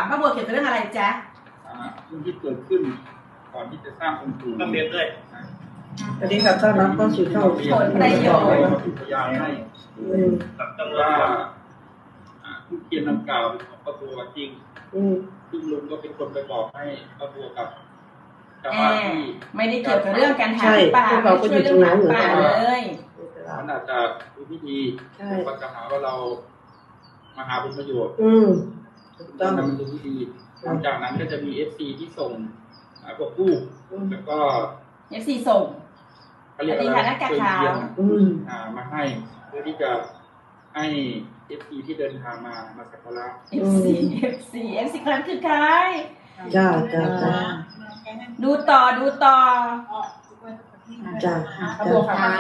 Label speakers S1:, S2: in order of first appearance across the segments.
S1: ป้าบัวเกี่ยวกับเรื่องอะไรจ๊ะ
S2: เรื่องที่เกิดขึ้นก่อนที่จะสร้างองค์ปู่
S3: ต้องเรียนด้วย
S4: สวัสดีครับต้อนรับเข้าสู่ช่อง
S1: ผลประโยชน์
S2: พยานให้ว่าผู้เขียนนำกล่าวเป็นของป้าบัวจริงซึ่งลุงก็เป็นคนไปบอกให้ป้าบัวกับชาวบ้านที่
S1: ไม่ได้เกี่ยวกับเรื่องการหาป่าไม่ช่วยเรื่องหาป่าเลย
S2: มันอาจจะดูไม่ดีก็จะหาว่าเรามาหาผลประโยชน์ต้องมันดูไม่ดีหลังจากนั้นก็จะมี FC ที่ส่งพวกผู้แล้วก็
S1: FC ส่ง
S2: เขาเรียกอะไรเชิญเทียนมาให้เพื่อที่จะให้ FC ที่เดินทางมาสักการะ
S1: FC ครั้งคือใคร
S4: จ้า
S1: ดูต่อ
S4: จ้า
S5: ป้าบัว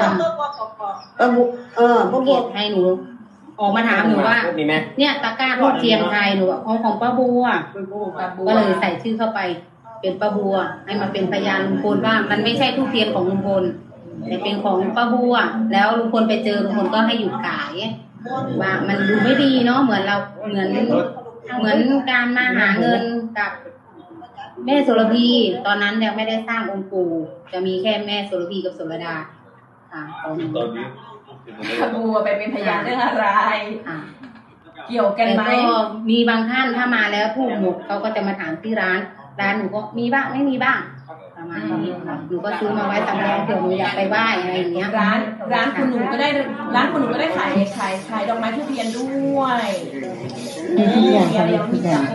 S5: ป้าบัวให้หนูออกมาถามหนูว่าเนี่ยตะกร้าทูบเทียนใครหนูของป้าบัวก็เลยใส่ชื่อเข้าไปเป็นป้าบัวให้มาเป็นพยานลุงพลว่ามันไม่ใช่ทูบเทียนของลุงพลแต่เป็นของป้าบัวแล้วลุงพลไปเจอลุงพลก็ให้หยุดขายว่ามันดูไม่ดีเนาะเหมือนเราเหมือนการมาหาเงินกับแม่โสระพีตอนนั้นยังไม่ได้สร้างองค์ปู่จะมีแค่แม่โสระพีกับโสระดาค่ะตอนนี้
S1: ป้าบัวไปเป็นพยานเรื่องอะไรเกี่ยวกันไหม
S5: มีบางท่านถ้ามาแล้วพูดหมดเขาก็จะมาถามที่ร้านหนูก็มีบ้างไม่มีบ้างประมาณนี้หนูก็ซื้อมาไว้สำรองเผื่อหนูอยากไปไหว้อะไรอย่างเงี้ย
S1: ร้านคุณหนูก็ได้ขายดอกไม้ทุเรียนด้วยเดี๋ยวมีจับ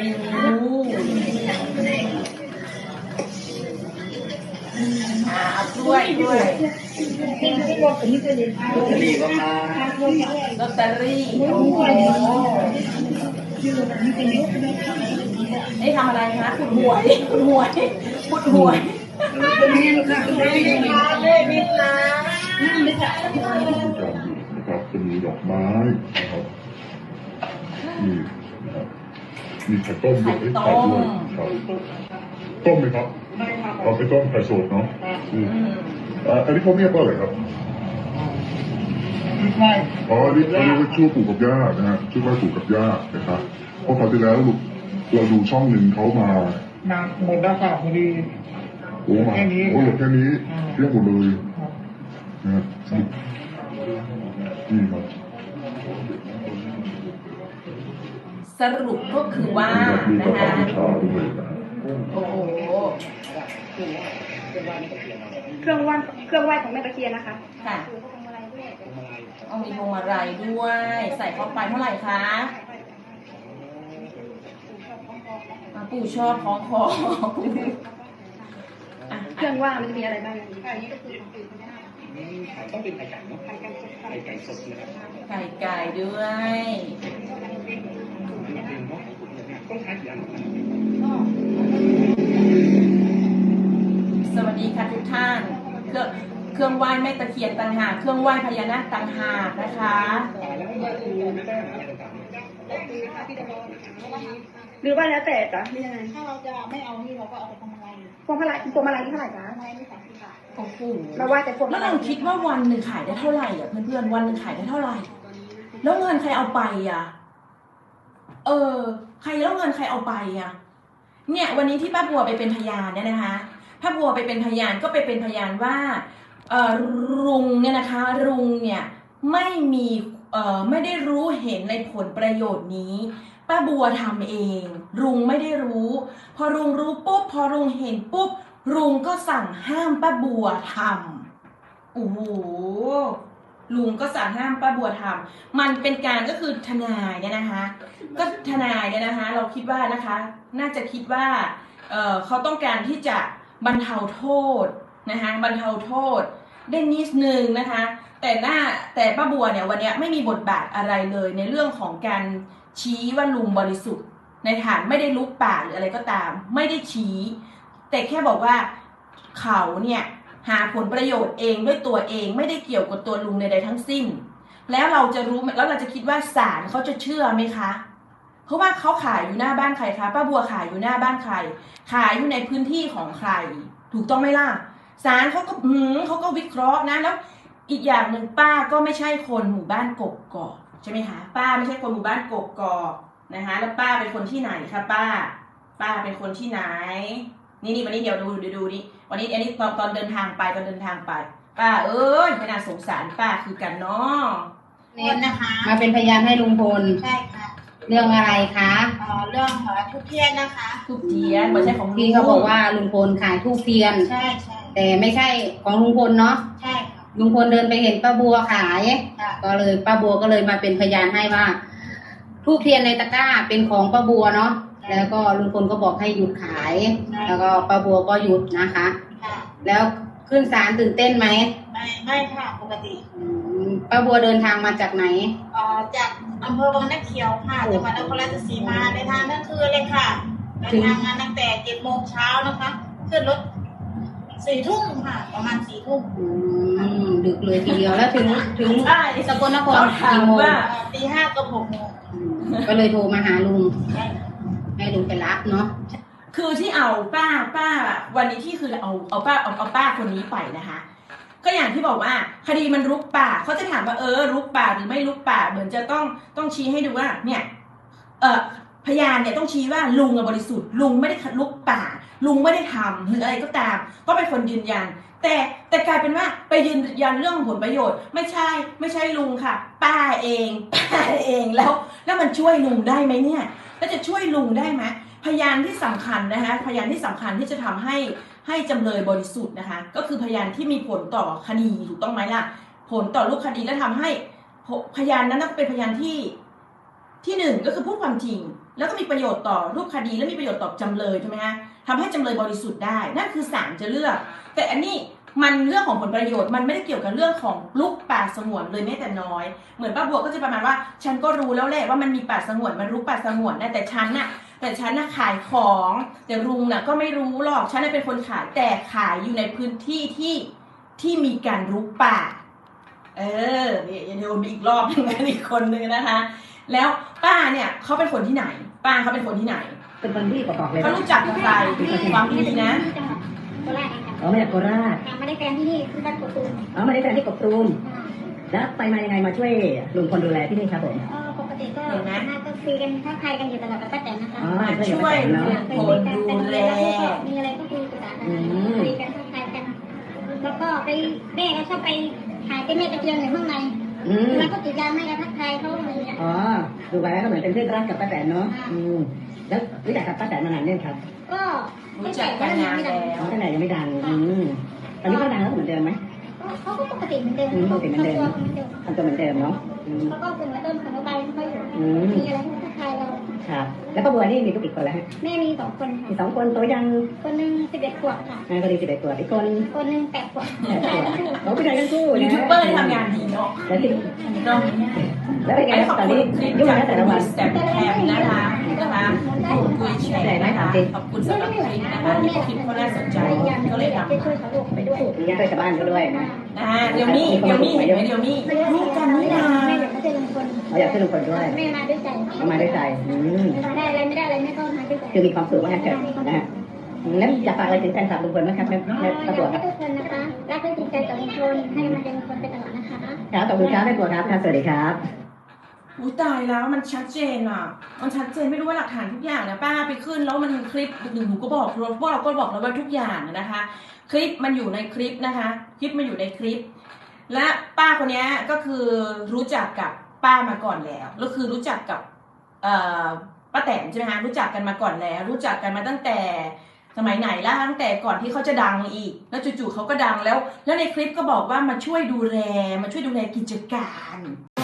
S1: ด้วยลอตเตอรี่นี่ทำอะไรคะขุดหวยเลขมิตรนะ
S6: นะครับจะมีดอกไม้นะครับมีไข่ต้มด้วยไข่ด้วยครับต้มไหมครับเราไปต้มไข่สดเนาะอันนี้เขาเรียกว่าอะไรครับอ๋อนี่เขาเรียกว่าชื่อปู่กับย่านะฮะชื่อว่าปู่กับย่านะครับเพราะคราวที่แล้วเราดูช่องหนึ่งเขามา
S4: หมดแล้วค่ะพอดี
S6: โอ้มาแค่นี้เรียกหมดเลยนะครับนี่ครับ
S1: สรุปก็คือว่านะคะโอ้โห
S7: เครื่องไหว้ของแม่ตะเคียนนะคะ
S1: ค่ะเอามีพวงมาลัยด้วยใส่เข้าไปเท่าไหร่คะปู่ชอบของคอ
S7: เครื่องไหว้มันจะมีอะไรบ้างอันนี้ก็คือ
S3: ต้องเป็นไข่ไก่เนาะไข่ไก่สดนะครับ
S1: ไข่ไก่ด้วย
S3: ต้องใช้กี่อัน
S1: สวัสดีค่ะทุกท่านเครื่องไหว้แม่ตะเคียนต่างหากเครื่องไหว้พญานาคต่างหากนะคะ
S7: หรือว่าแล้วแต่จ้ะนี่ยังไง
S8: ถ้าเราจะไม่เอานี่เราก็เอาไปทำอะไร
S7: พวงมาลัยที่เท่าไหร่จ๊ะ
S8: ไม่30 บาท
S1: โอ้โห
S7: เราว่าแต่พวง
S1: แล้วเราคิดว่าวันหนึ่งขายได้เท่าไหร่อ่ะเพื่อนๆวันหนึ่งขายได้เท่าไหร่แล้วเงินใครเอาไปอ่ะใครแล้วเงินใครเอาไปอ่ะเนี่ยวันนี้ที่ป้าบัวไปเป็นพยานเนี่ยนะคะป้าบัวไปเป็นพยานก็ไปเป็นพยานว่าลุงเนี่ยนะคะลุงเนี่ยไม่ได้รู้เห็นในผลประโยชน์นี้ป้าบัวทำเองลุงไม่ได้รู้พอลุงรู้ปุ๊บพอลุงเห็นปุ๊บลุงก็สั่งห้ามป้าบัวทำโอ้โหลุงก็สั่งห้ามป้าบัวทำมันเป็นการก็คือทนายเนี่ยนะคะก็ทนายเนี่ยนะคะเราคิดว่านะคะน่าจะคิดว่าเขาต้องการที่จะบรรเทาโทษนะคะบรรเทาโทษได้นิดนึงนะคะแต่ป้าบัวเนี่ยวันนี้ไม่มีบทบาทอะไรเลยในเรื่องของการชี้ว่าลุงบริสุทธิ์ในฐานไม่ได้ลุกป่าหรืออะไรก็ตามไม่ได้ชี้แต่แค่บอกว่าเขาเนี่ยหาผลประโยชน์เองด้วยตัวเองไม่ได้เกี่ยวกับตัวลุงใดๆทั้งสิ้นแล้วเราจะรู้แล้วเราจะคิดว่าศาลเขาจะเชื่อไหมคะเพราะว่าเขาขายอยู่หน้าบ้านใครคะป้าบัวขายอยู่หน้าบ้านใครขายอยู่ในพื้นที่ของใครถูกต้องไหมล่ะศาลเขาก็วิเคราะห์นะแล้วอีกอย่างหนึ่งป้าก็ไม่ใช่คนหมู่บ้านกกอกใช่ไหมคะป้าไม่ใช่คนหมู่บ้านกกอกนะคะ แล้วป้าเป็นคนที่ไหนคะป้าเป็นคนที่ไหนนี่วันนี้เดี๋ยวดูนี่วันนี้อันนี้ตอนเดินทางไปป้าเอ้ยไม่น่าสงสารป้าคือกันเนาะ
S8: คนนะคะ
S5: มาเป็นพยานให้ลุงพล
S8: ใช่ค่ะ
S5: เรื่องอะไรคะ
S8: เรื่องทุกเทียนนะคะ
S1: ทุกเทียนไม่ใช่ของลุง
S5: ที่เขาบอกว่าลุงพลขายทูบเทียน
S8: ใช่
S5: แต่ไม่ใช่ของลุงพลเนาะ
S8: ใช่ค่ะ
S5: ลุงพลเดินไปเห็นป้าบัวขาย
S8: ค่ะ
S5: ก็เลยป้าบัวก็เลยมาเป็นพยานให้ว่าทูบเทียนในตะกร้าเป็นของป้าบัวเนาะแล้วก็ลุงพลก็บอกให้หยุดขาย แล้วก็ป้าบัวก็หยุดนะคะ
S8: ค่ะ
S5: แล้วขึ้นศาลตื่นเต้นไหม
S8: ไม่ค่ะปกติ
S5: ป้าบัวเดินทางมาจากไหน
S8: จากอำเภอวังน้ำเขียวค่ะจังหวัดนครราชสีมาในทางนั่นคือเลยค่ะเดินทางมาตั้งแต่7 โมงเช้านะคะขึ้นรถ4 ทุ่มค่ะประมาณ4 ทุ่ม
S5: ดึกเลยทีเดียวแล้วถึงสกลนครกี่โมง
S8: ตี 5 กับ 6 โมง
S5: ก็เลยโทรมาหาลุงให้ลุงไปรับเนาะ
S1: คือที่เอาป้าวันนี้ที่คือเอาป้าคนนี้ไปนะคะ ก็อย่างที่บอกว่าคดีมันรุกป่าเขาจะถามว่ารุกป่าหรือไม่รุกป่าเหมือนจะต้องชี้ให้ดูว่าเนี่ยพยานเนี่ยต้องชี้ว่าลุงบริสุทธิ์ลุงไม่ได้รุกป่าลุงไม่ได้ทำหรืออะไรก็ตามก็เป็นคนยืนยันแต่กลายเป็นว่าไปยืนยันเรื่องผลประโยชน์ไม่ใช่ลุงค่ะป้าเองแล้วมันช่วยลุงได้ไหมเนี่ยแล้วจะช่วยลุงได้ไหมพยานที่สำคัญนะคะพยานที่สำคัญที่จะทำให้จำเลยบริสุทธิ์นะคะก็คือพยานที่มีผลต่อคดีถูกต้องไหมล่ะผลต่อรูปคดีและทำให้พยานนั้นต้องเป็นพยานที่หนึ่งก็คือพูดความจริงแล้วก็มีประโยชน์ต่อรูปคดีและมีประโยชน์ต่อจำเลยใช่ไหมฮะทำให้จำเลยบริสุทธิ์ได้นั่นคือศาลจะเลือกแต่อันนี้มันเรื่องของผลประโยชน์มันไม่ได้เกี่ยวกับเรื่องของลุกป่าสงวนเลยแม้แต่น้อยเหมือนป้าบัวก็จะประมาณว่าฉันก็รู้แล้วแหละว่ามันมีป่าสงวนมันรุกป่าสงวนนะแต่ฉันน่ะขายของแต่ลุงน่ะก็ไม่รู้หรอกฉันน่ะเป็นคนขายแต่ขายอยู่ในพื้นที่ที่มีการรุกป่านี่อย่าโดนอีกรอบนึงนะอีกคนนึงนะคะ แล้วป้าเนี่ยเขาเป็นคนที่ไหนเป็นคนที่ไหน
S4: เป็นคนที่บอกเลย
S1: เขารู้จักกับใครความดีนะ
S8: โคราชค่ะ
S4: อ๋อมาจากโคราช
S8: ไม่ได้แฟนที่นี่คือบ้านกตูม
S4: อ๋อมาได้แฟนที่กบตูมแล้วไปมายังไงมาช่วยลุงพลดูแลที่นี่ครับผม
S8: ปกติก็น่าก็คุยกันทักทายกันอยู่ตลอดกับป้าแตนนะคะ
S4: อ๋อ
S1: มาช่วยลุงพลดูแล
S8: มีอะไรก็คุยกันคุยกันทักทายกันแล้วก็ไปแม่ก็ชอบไปหาเจ้าแม่ตะเคียนในข้างในแล้วก็ติดยาไม่ก็ทักทายเขาอะไรอย่างเงี้ย
S4: อ๋อดูไว้ก็เหมือนเป็นเพื่อนรักกับป้าแตนเนาะแล้วรู้จักกับป้าแตนมานานยังครับ
S8: ก็
S1: รู้จักกันนานแล้ว
S4: อ๋อตั้งแต่ยังไม่ดังตอนนี้ก็ดังแล้วเหมือนเดิมไหม
S8: เขาก็ปกติเหมือนเดิม
S4: ปกติเหมือนเดิมทำตัวเหมือนเดิมเนาะ
S8: เขาก็เป็นเหมือนเดิมของเราไปไม่ค่อยอยู่มีอะไรให้ทักทายเรา
S4: ครับแล้วป้าบัวนี่มีลูกกี่คนแล้วฮะ
S8: แม่มี2 คนค่ะ
S4: มี2 คนโตยัง
S8: คนหนึ่ง11 ขวบค่ะ
S4: แม่ก็ดี11 ตัวอีกคน
S8: คนหนึ่ง8 ขวบ
S4: เขาผู้ชายทั้งคู่
S1: ยูทูบเบอร์ทำงานดีเนาะ
S4: แล้วที่
S1: เนาะ
S4: แล้วเป็นไง
S1: ขอบ
S4: ตอน
S1: คุณ
S4: นี้
S1: คลิป
S4: ยุ่ง
S1: จาก
S4: นะแต่ละวัน
S1: สแตมแคมนะคะคุยแชร์นะคะขอบคุณสำหรับคลิปนะคะที่คลิปเขาน่าสนใจก็เลยทำ
S8: ช่วยเขาลูกไปด้วย
S4: มีญาติชาวบ้านก็ด้วยนะ
S1: เดี๋ยวนี้เห็นไหมเดี๋ยวนี้รู้กันนี่นา
S8: แม่อยากให้ลุงพล
S4: เขาอยากช่วยลุงพลด้วย
S8: แม่มาด้วยใจ
S4: เขามาด้วยใจ
S8: ได้อะไรไม่ได้อะไรแม่ก็มาด้วยใจ
S4: คือมีความสุขว่างั้นเถอะนะฮะแล้วอยากฝากอะไรถึงแฟนคลับลุงพลไหมครับแม่ตำรวจครับ
S8: ทุกคนนะคะรักและจริงใจต่อลุงพลให้กำลังใจลุงพลไปตลอดนะคะ
S4: ครับขอบคุณครับแม่บัวครับสวัสดีครับ
S1: อุ้ยตายแล้วมันชัดเจนอ่ะมันชัดเจนไม่รู้ว่าหลักฐานทุกอย่างนะป้าไปขึ้นแล้วมันคลิปหนูก็บอกพวกเราก็บอกแล้วว่าทุกอย่างนะคะ คลิปมันอยู่ในคลิปนะคะคลิปมันอยู่ในคลิปและป้าคนนี้ก็คือรู้จักกับป้ามาก่อนแล้วคือรู้จักกับป้าแตนใช่ไหมคะรู้จักกันมาก่อนแล้วรู้จักกันมาตั้งแต่สมัยไหนล่ะตั้งแต่ก่อนที่เขาจะดังอีกแล้วจู่ๆเขาก็ดังแล้วในคลิปก็บอกว่ามาช่วยดูแลกิจการ